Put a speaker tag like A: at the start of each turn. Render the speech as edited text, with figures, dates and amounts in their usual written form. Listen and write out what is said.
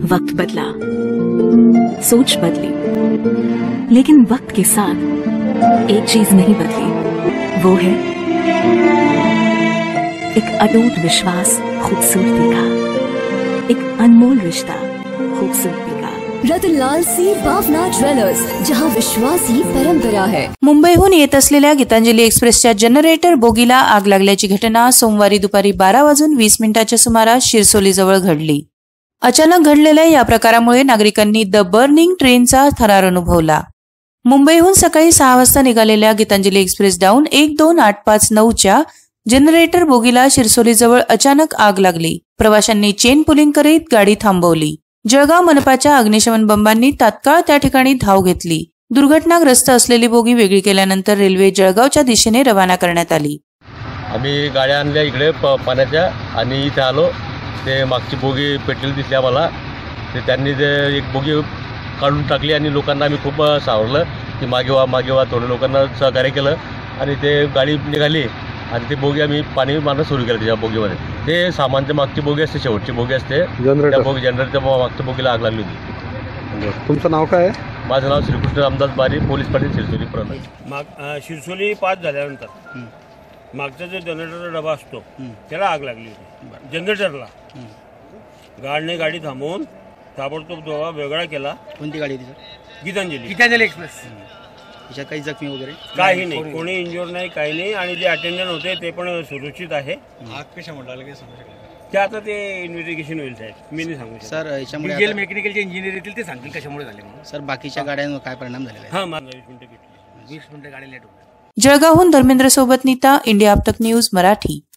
A: वक्त बदला, सोच बदली, लेकिन वक्त के साथ एक चीज नहीं बदली, वो है एक अटूट विश्वास खूबसूरती का, एक अनमोल रिश्ता खूबसूरती का।
B: रतनलाल सी भावना ज्वेलर्स, जहां विश्वास ही परंपरा है।
C: मुंबईहून येत असलेल्या गीतांजली एक्सप्रेसच्या जनरेटर बोगीला आग लागल्याची घटना सोमवारी दुपारी 12:20 सुमारास शिरसोलीजवळ घडली। अचानक घडलेल्या या प्रकारामुळे नागरिकांनी द बर्निंग ट्रेनचा थरार अनुभवला। मुंबईहून सकाळी 6 वाजता निघालेल्या गीतांजली एक्सप्रेस डाऊन 12859च्या जनरेटर बोगीला शिरसोलीजवळ अचानक आग लागली। प्रवाशांनी चेन पुलिंग करीत गाडी थांबवली। जळगाव मनपाच्या अग्निशमन बंबांनी तात्काळ त्या ठिकाणी धाव घेतली। दुर्घटनाग्रस्त असलेली बोगी वेगळी केल्यानंतर रेल्वे जळगावच्या दिशेने रवाना करण्यात आली।
D: आम्ही गाड्या आणल्या इकडे पाण्याच्या आणि इथे आलो। ते मागची बोगी पेटलेली दिसली आम्हाला। ते त्यांनी ते एक बोगी काढून टाकली आणि लोकांना आम्ही खूप सावरलं की मागे व्हा थोडं लोकांना सहकार्य केलं आणि ते गाडी निघाली आणि ते बोगी आम्ही पाणी मारणं सुरू केलं त्याच्या बोगीमध्ये। ते सामानच्या मागची बोगी असते, शेवटची बोगी असते, त्या बोगी जनरेटरच्या मागच्या बोगीला आग लागली होती।
E: तुमचं नाव काय आहे?
D: माझं नाव श्रीकृष्ण रामदास बारी, पोलीस पाटील शिरसोली प्रणाली।
F: शिरसोली 5 झाल्यानंतर मागचा जो जनरेटरचा डबा असतो त्याला आग लागली होती जनरेटरला। गाडी थांबवून ताबडतोब डबा वेगळा केला।
G: कोणती गाडी होती सर?
F: गीतांजली एक्सप्रेस।
G: त्याच्यात काही जखमी वगैरे
F: काही नाही, कोणी इंज्युअर नाही, काही नाही आणि जे अटेंडंट होते ते पण सुरक्षित आहे।
G: आग कशामुळे लागली सांगू शकता?
F: ते आता ते इन्व्हेस्टिगेशन होईल साहेब, मी नाही सांगू शकत।
G: सर याच्यामुळे
F: डिझेल मेकॅनिकलचे इंजिनियर येतील ते सांगतील कशामुळे झाले म्हणून।
G: सर बाकीच्या गाड्यांवर काय परिणाम झालेला आहे?
F: हां, 20 मिनिटं गाडी लेट होती।
C: जळगावहून धर्मेंद्र सोबत नीता, इंडिया आप तक न्यूज मराठी।